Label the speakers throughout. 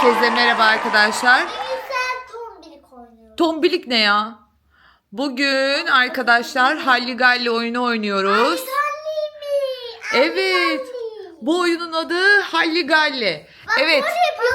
Speaker 1: Herkese merhaba arkadaşlar.
Speaker 2: Sen tombilik oynuyorsun.
Speaker 1: Tombilik ne ya? Bugün arkadaşlar Halligalli oyunu oynuyoruz. Evet. Bu oyunun adı Halligalli. Evet.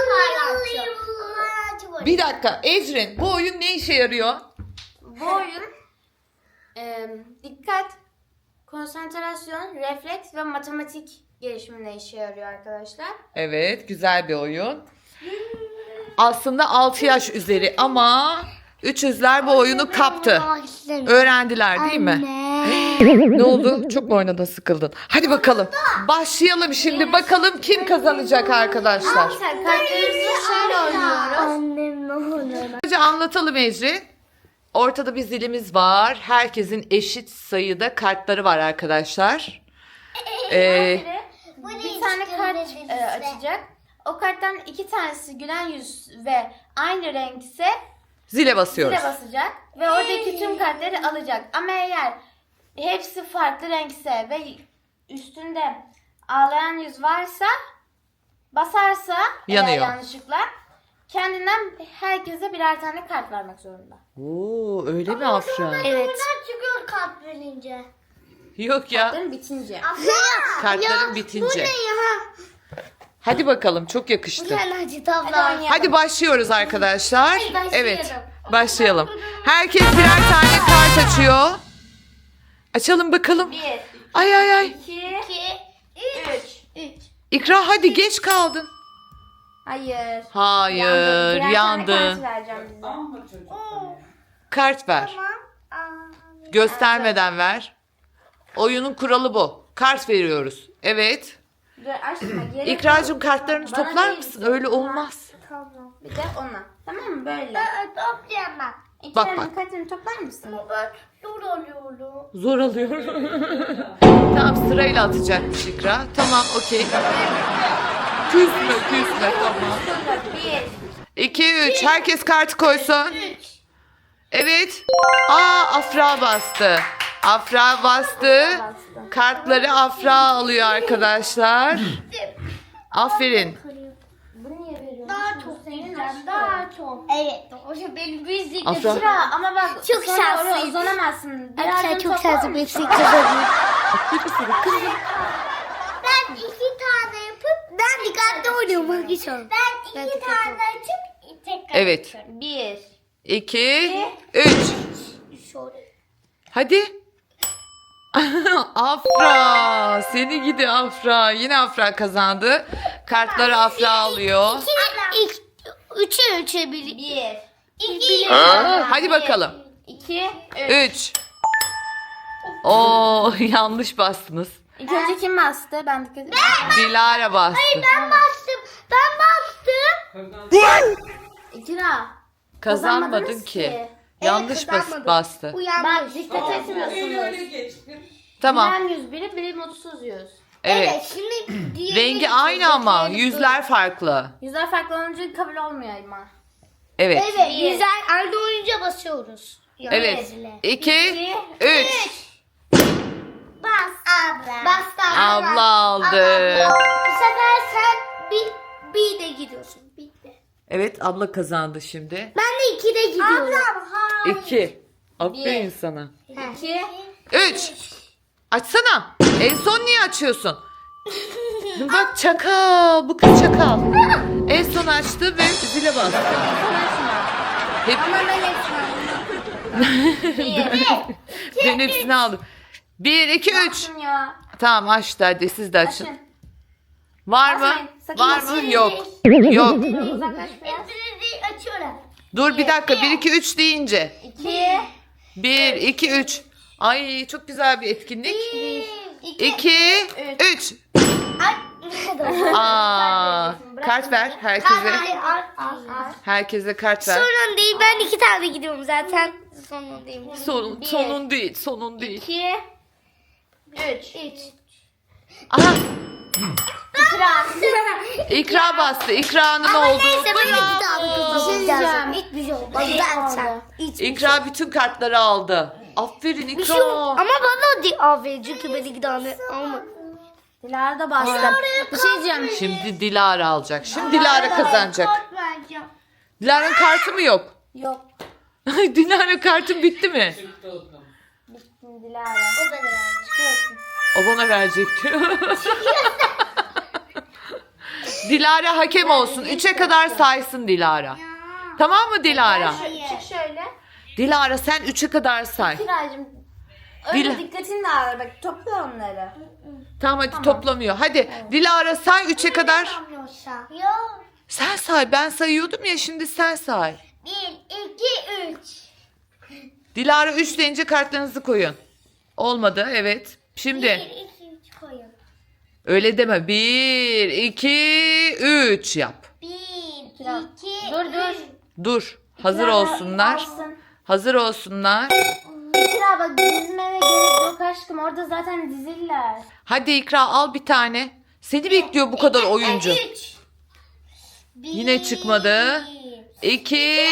Speaker 1: Bir dakika Ecrin, bu oyun ne işe yarıyor?
Speaker 3: Bu oyun dikkat, konsantrasyon, refleks ve matematik gelişimine işe yarıyor arkadaşlar.
Speaker 1: Evet, güzel bir oyun. Aslında 6 yaş üzeri ama 300'ler bu oyunu kaptı. Öğrendiler değil mi? Ne oldu? Çok mu oynadın, sıkıldın? Hadi bakalım. Başlayalım şimdi. Bakalım kim kazanacak arkadaşlar.
Speaker 3: Arkadaşlar kartlarımızı şöyle oynuyoruz.
Speaker 2: Annem ne olur?
Speaker 1: Önce anlatalım Ecrin. Ortada bir zilimiz var. Herkesin eşit sayıda kartları var arkadaşlar.
Speaker 3: Bir tane kart açacak. O karttan 2 tanesi gülen yüz ve aynı renkse
Speaker 1: Zile basıyoruz.
Speaker 3: zile basacak. Ve oradaki tüm kartları alacak. Ama eğer hepsi farklı renkse ve üstünde ağlayan yüz varsa, basarsa
Speaker 1: Yanıyor.
Speaker 3: eğer yanlışlıkla kendinden herkese birer tane kart vermek zorunda.
Speaker 1: Oo, öyle mi Afra?
Speaker 3: Evet.
Speaker 2: Buradan çıkıyor kart verince.
Speaker 1: Yok ya.
Speaker 3: Kartların bitince.
Speaker 1: Kartların bitince. Hadi bakalım, çok yakıştı.
Speaker 2: Hadi tabla.
Speaker 1: Hadi başlıyoruz arkadaşlar.
Speaker 3: başlayalım.
Speaker 1: Evet, başlayalım. Herkes birer tane kart açıyor. Açalım bakalım.
Speaker 3: 1,
Speaker 1: Ay ay ay.
Speaker 3: 2, 3.
Speaker 1: İkra hadi, geç kaldın.
Speaker 3: Hayır.
Speaker 1: Hayır,
Speaker 3: Birer tane
Speaker 1: yandın.
Speaker 3: kart vereceğim bize.
Speaker 1: Kart ver. Göstermeden ver. Oyunun kuralı bu. Kart veriyoruz. Evet.
Speaker 3: Dur açma. Geri
Speaker 1: İkracığım, kartlarını
Speaker 3: Bana
Speaker 1: toplar
Speaker 3: değil.
Speaker 1: mısın? Öyle olmaz.
Speaker 2: Tamam.
Speaker 3: Bir de ona. Tamam mı? Böyle.
Speaker 2: Toplayamam.
Speaker 1: Bak.
Speaker 3: Kartını toplar mısın?
Speaker 2: Ben dur alıyorum.
Speaker 1: Zor alıyor. Tamam, sırayla atacakmış İkra. Tamam, okey. Küsme tamam.
Speaker 3: 1.
Speaker 1: 2, 3. Herkes kartı koysun. Evet. Afra bastı. Afra bastı. Kartları Afra alıyor arkadaşlar. Aferin.
Speaker 3: Bunu niye veriyorsun?
Speaker 2: Daha çok yiyeceğim. Daha çok. Evet. O şey benim büyük
Speaker 1: Afra.
Speaker 3: Sıra ama bak
Speaker 2: Çok
Speaker 3: sonra
Speaker 2: şanslıyım.
Speaker 3: oraya uzanamazsın.
Speaker 2: Arkadaşlar çok
Speaker 3: toplar
Speaker 2: şanslı
Speaker 3: mısın?
Speaker 2: bir şey kazanıyorum. Ben 2 tane yapıp dikkatli oynuyorum. Ben 2 tane açıp tekrar
Speaker 1: Evet.
Speaker 2: açıyorum.
Speaker 3: 1.
Speaker 1: 2, 3. Hadi. Afra. Seni gidi Afra. Yine Afra kazandı. Kartları Afra alıyor.
Speaker 2: 3'e 1.
Speaker 3: 1.
Speaker 2: 2.
Speaker 1: Hadi bakalım.
Speaker 3: 2.
Speaker 1: 3. Oo, yanlış bastınız.
Speaker 3: İlk önce kim bastı? Ben dikkat ettim.
Speaker 1: Dilara bastı.
Speaker 2: Ben bastım.
Speaker 3: İkra.
Speaker 1: Kazanmadın
Speaker 3: Kazanmadınız
Speaker 1: ki.
Speaker 3: ki.
Speaker 1: Yanlış bastı.
Speaker 3: Bak dikkat etmiyorsunuz.
Speaker 1: Tamam.
Speaker 3: Gülen yüz biri, biri mutsuz yüz.
Speaker 1: Evet.
Speaker 2: Şimdi diğeri
Speaker 1: Rengi aynı ama yüzler farklı.
Speaker 3: Yüzler farklı olunca kabul olmuyor ama.
Speaker 1: Evet.
Speaker 2: Evet, güzel. Aynı oyunca basıyoruz.
Speaker 1: Evet. 2, 3.
Speaker 2: Bas. Abla. Bastı.
Speaker 1: Abla aldı.
Speaker 2: Bu sefer sen bir de gidiyorsun. Bir de.
Speaker 1: Evet, abla kazandı şimdi.
Speaker 2: Ben de 2'de gidiyorum. Ablam
Speaker 1: 2. Aferin sana.
Speaker 3: 2.
Speaker 1: 3. Açsana. En son niye açıyorsun? Bak çakal. Bu kız çakal. En son açtı ve zile bastı. Hep,
Speaker 3: Ama ben hepsini
Speaker 1: ben hepsini aldım. 1, 2, 3.
Speaker 3: aldım ya.
Speaker 1: Tamam, açtı, hadi siz de açın.
Speaker 3: Açın.
Speaker 1: Var mı?
Speaker 3: Açmayın, sakın
Speaker 1: Var mı?
Speaker 3: açmayın.
Speaker 1: Yok. Yok.
Speaker 3: Uzaklaş biraz.
Speaker 2: Hepsini açıyorum.
Speaker 1: Dur bir dakika. 1, 2, 3 deyince.
Speaker 3: 2.
Speaker 1: 1, 2, 3. Ay, çok güzel bir etkinlik.
Speaker 3: 2.
Speaker 1: 2, 3. Kart ver herkese. Herkese kart ver.
Speaker 2: Sorun değil. Ben 2 tane gidiyorum zaten. Sorun değil.
Speaker 1: Sonun değil, sonun değil.
Speaker 3: 2. 3.
Speaker 1: Aha,
Speaker 3: İkra.
Speaker 1: İkra bastı. İkra'nın olduğu.
Speaker 2: Neyse ben 2
Speaker 1: Bravo.
Speaker 2: tane kazanacağım. Hiçbir şey olmaz. Ben sen.
Speaker 1: İkra bütün kartları aldı. Aferin
Speaker 2: Bir şey yok.
Speaker 1: İkra.
Speaker 2: Ama bana değil. Aferin çünkü ben 2 tane almadım.
Speaker 3: Dilara da bastı. Bir şey diyeceğim.
Speaker 1: Şimdi Dilara alacak. Şimdi Dilara kazanacak. Dilara'nın kartı mı yok?
Speaker 3: Yok.
Speaker 1: Dilara kartın bitti mi?
Speaker 3: Bittim Dilara.
Speaker 2: O benim.
Speaker 3: Çıkıyorsun.
Speaker 1: O bana verecek diyor. Dilara hakem olsun. 3'e kadar saysın Dilara. Tamam mı Dilara?
Speaker 3: Çık şöyle.
Speaker 1: Dilara sen 3'e kadar say.
Speaker 3: Kiracığım. Öyle
Speaker 1: Dila-
Speaker 3: dikkatini dağılır. Bak topla onları.
Speaker 1: Tamam hadi toplamıyor. Hadi Dilara say 3'e kadar.
Speaker 2: Yapmıyorsa. Yok.
Speaker 1: Sen say. Ben sayıyordum ya şimdi sen say.
Speaker 2: 1, 2, 3.
Speaker 1: Dilara 3 deyince kartlarınızı koyun. Olmadı evet.
Speaker 2: 1,
Speaker 1: Şimdi
Speaker 2: 2, 3 koyun.
Speaker 1: öyle deme. 1, 2, 3 yap.
Speaker 2: 1, 2,
Speaker 3: Dur.
Speaker 1: Dur. Hazır
Speaker 3: Dilara,
Speaker 1: olsunlar.
Speaker 3: alsın.
Speaker 1: Hazır olsunlar.
Speaker 3: Kira bak dizmeme gerek yok aşkım. Orada zaten diziller.
Speaker 1: Hadi İkra al bir tane. Seni bekliyor bu kadar oyuncu.
Speaker 2: 3.
Speaker 1: Yine çıkmadı. 2.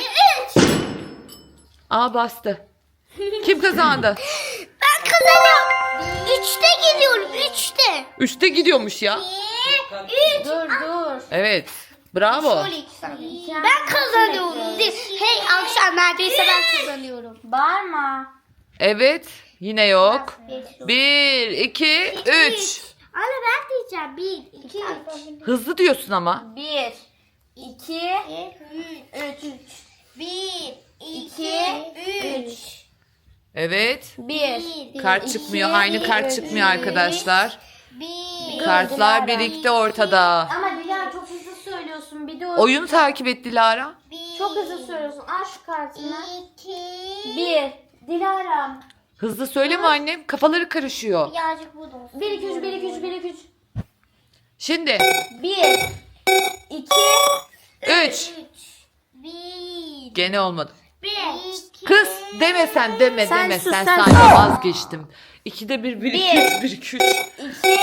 Speaker 1: Aa bastı. Kim kazandı?
Speaker 2: Ben kazanıyorum. 3'te gidiyorum. 3'te.
Speaker 1: 3'te gidiyormuş ya.
Speaker 2: 1, 3.
Speaker 3: Dur.
Speaker 1: Evet. Bravo.
Speaker 2: Ben kazanıyorum. Hey akşam neredeyse ben kazanıyorum.
Speaker 3: Bağırma.
Speaker 1: Evet. Yine yok. 1, 2, 3.
Speaker 2: Anne ben diyeceğim. 1, 2, 3.
Speaker 1: Hızlı diyorsun ama.
Speaker 3: 1, 2, 3.
Speaker 2: 1,
Speaker 3: 2, 3.
Speaker 1: Evet.
Speaker 3: 1.
Speaker 1: Kart çıkmıyor. Aynı kart çıkmıyor arkadaşlar.
Speaker 2: 1.
Speaker 1: Kartlar
Speaker 3: Dilara.
Speaker 1: birikti ortada.
Speaker 3: Ama Dilara çok hızlı söylüyorsun. Bir de
Speaker 1: Oyunu takip et Dilara.
Speaker 3: çok hızlı söylüyorsun. Al şu kartını.
Speaker 2: 2.
Speaker 3: 1. Dilara.
Speaker 1: Hızlı söyleme annem. Kafaları karışıyor.
Speaker 2: Birazcık burada olsun.
Speaker 3: 1, 2, 3, 1, 2, 3, 1, 2, 3.
Speaker 1: Şimdi
Speaker 3: 1, 2,
Speaker 1: 3.
Speaker 2: 1.
Speaker 1: Gene olmadı.
Speaker 2: 1.
Speaker 1: Kız deme sen deme
Speaker 3: Sen
Speaker 1: deme.
Speaker 3: sus,
Speaker 1: Sen
Speaker 3: sen
Speaker 1: sadece
Speaker 3: sus.
Speaker 1: vazgeçtim. 2'de 1, 1, 2, 3, 1, 2, 3.
Speaker 3: 2, 3.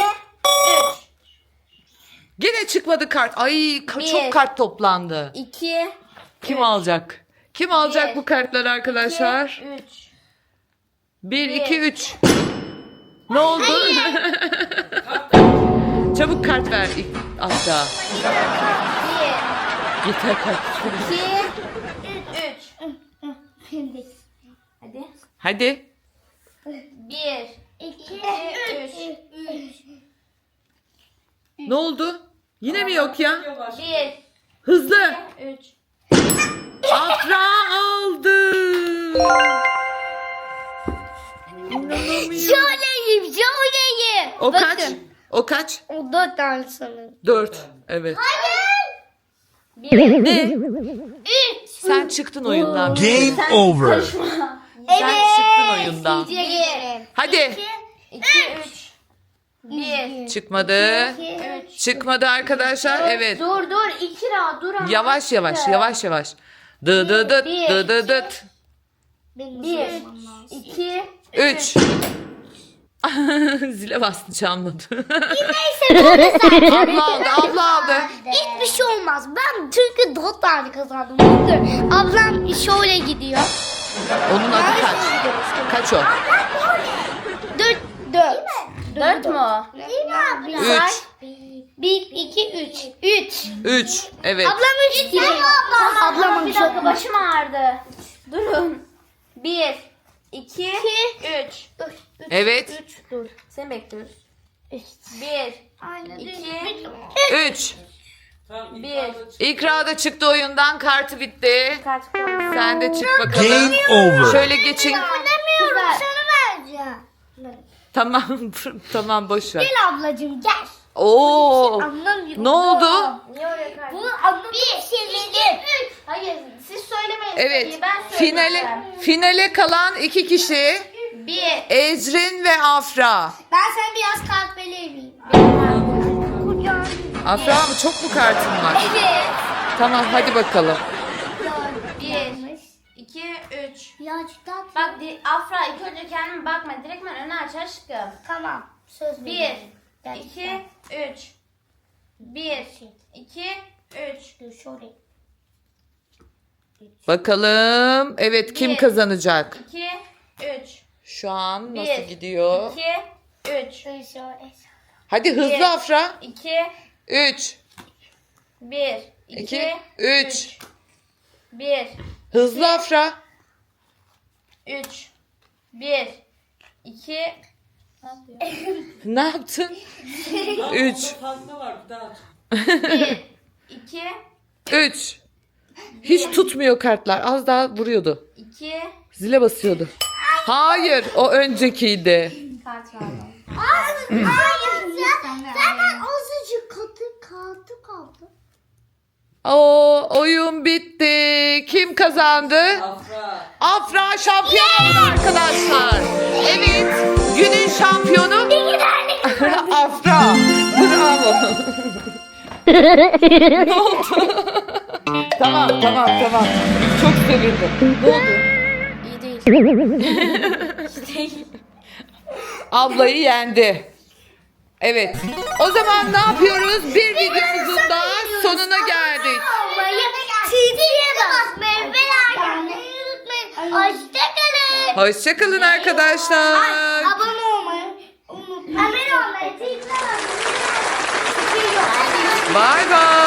Speaker 1: Gene çıkmadı kart. Ay
Speaker 3: Bir.
Speaker 1: çok kart toplandı.
Speaker 3: 2,
Speaker 1: Kim alacak? Kim alacak
Speaker 3: Bir.
Speaker 1: bu kartları arkadaşlar?
Speaker 3: 3.
Speaker 1: 1, 2, 3. Ne oldu? Çabuk kart ver aşağı.
Speaker 3: 1,
Speaker 1: Yeter kart.
Speaker 3: 2, 3. Hadi.
Speaker 1: Hadi.
Speaker 3: 1,
Speaker 2: 2,
Speaker 3: 3.
Speaker 1: Ne oldu? Yine mi yok ya?
Speaker 3: 1,
Speaker 1: Hızlı.
Speaker 3: 3.
Speaker 1: Afra aldı. İnanamıyorum.
Speaker 2: Şöyleyim, şöyleyim.
Speaker 1: O kaç? O kaç?
Speaker 2: O 4 tane sanırım.
Speaker 1: 4. Evet.
Speaker 2: Hayır.
Speaker 3: 1.
Speaker 1: Ne?
Speaker 2: 3.
Speaker 1: Sen çıktın oyundan.
Speaker 4: Game over.
Speaker 1: Sen çıktın oyundan.
Speaker 2: 1.
Speaker 1: Hadi.
Speaker 3: 2, 3. 1,
Speaker 1: Çıkmadı.
Speaker 3: 3.
Speaker 1: Çıkmadı arkadaşlar. Evet.
Speaker 3: Dur, 2 rahat dur ama.
Speaker 1: Yavaş yavaş yavaş yavaş. Dı dı dıt dı dı dıt.
Speaker 3: 1, 2,
Speaker 1: 3. Zile bastı çalmadı.
Speaker 2: Neyse ben de sen.
Speaker 1: Abla aldı abla aldı.
Speaker 2: Hiçbir şey olmaz. Ben çünkü 4 tane kazandım. Bakın ablam şöyle gidiyor.
Speaker 1: Onun adı kaç? Kaç o?
Speaker 2: 4. 4.
Speaker 3: 4 mu o?
Speaker 2: Değil mi abla?
Speaker 1: 3.
Speaker 2: 1, 2, 3. 3.
Speaker 1: 3. Evet.
Speaker 2: Ablam 3 diyor. Ablamın
Speaker 3: Bir dakika başım ağrıdı. Durun. 1, 2, 3.
Speaker 1: Evet.
Speaker 3: 3 dur. Seni bekliyoruz. 1,
Speaker 2: Aynen.
Speaker 3: 2,
Speaker 1: 3.
Speaker 3: 1.
Speaker 1: İkra da çıktı oyundan. Kartı bitti.
Speaker 3: Kart koy.
Speaker 1: Sen de çık bakalım.
Speaker 4: Game over.
Speaker 1: Şöyle geçin.
Speaker 2: Demiyorum sana vereceğim.
Speaker 1: Tamam. Tamam boş ver.
Speaker 2: Gel ablacığım gel.
Speaker 1: Oo.
Speaker 2: Anlamıyorum.
Speaker 1: Ne oldu?
Speaker 3: Niye oraya kart?
Speaker 2: Bu anlamı çevirdim.
Speaker 3: Hayır siz söylemeyin.
Speaker 1: Evet.
Speaker 3: Ben
Speaker 1: Finale kalan 2 kişi.
Speaker 3: 1.
Speaker 1: Ecrin ve Afra.
Speaker 2: Ben sana biraz kalp vereyim. Kucağım.
Speaker 1: Afra mı çok mu kartın var?
Speaker 3: Evet.
Speaker 1: Tamam hadi bakalım.
Speaker 3: 1, 2, 3.
Speaker 2: Ya cidden.
Speaker 3: Bak Afra ilk önce kendime bakma. Direkt ben önü aç aşkım.
Speaker 2: Tamam. Söz
Speaker 3: 1,
Speaker 2: veriyorum.
Speaker 3: 2, 3. 1, 2, 3.
Speaker 2: Dur şöyle.
Speaker 1: Bakalım. Evet kim
Speaker 3: Bir.
Speaker 1: kazanacak?
Speaker 3: 2, 3.
Speaker 1: Şu an
Speaker 3: 1,
Speaker 1: nasıl gidiyor?
Speaker 3: 2, 3.
Speaker 2: Dur şöyle.
Speaker 1: Hadi
Speaker 3: Bir.
Speaker 1: hızlı Afra.
Speaker 3: 2,
Speaker 1: 3.
Speaker 3: 1,
Speaker 1: 2,
Speaker 3: 2,
Speaker 1: 3.
Speaker 3: 1,
Speaker 1: Hızlı Afra.
Speaker 3: 3, 1, 2,
Speaker 1: Ne yaptın? 3.
Speaker 5: Fazla var bir daha.
Speaker 3: 1, 2,
Speaker 1: 3. Hiç tutmuyor kartlar. Az daha vuruyordu.
Speaker 3: 2,
Speaker 1: Zile basıyordu. Hayır, o öncekiydi.
Speaker 3: kart verdim.
Speaker 2: Hayır. Zaten azıcık katı kaldı.
Speaker 1: O oyun bitti. Kim kazandı?
Speaker 5: Afra.
Speaker 1: Afra şampiyon oldu arkadaşlar. Evet, günün şampiyonu Afra. Bravo. Ne oldu? Tamam. Çok sevindim. Ne oldu?
Speaker 3: İyi değil. İyi değil.
Speaker 1: Ablayı yendi. Evet. O zaman ne yapıyoruz? Bir videomuzun daha sonuna geldik.
Speaker 2: Çizgiye basmayı ve unutmayın. Hoşçakalın.
Speaker 1: Hoşçakalın arkadaşlar.
Speaker 2: Abone olmayı unutmayın. Abone olmayı, çizgiye basmayı.
Speaker 1: Bay bay.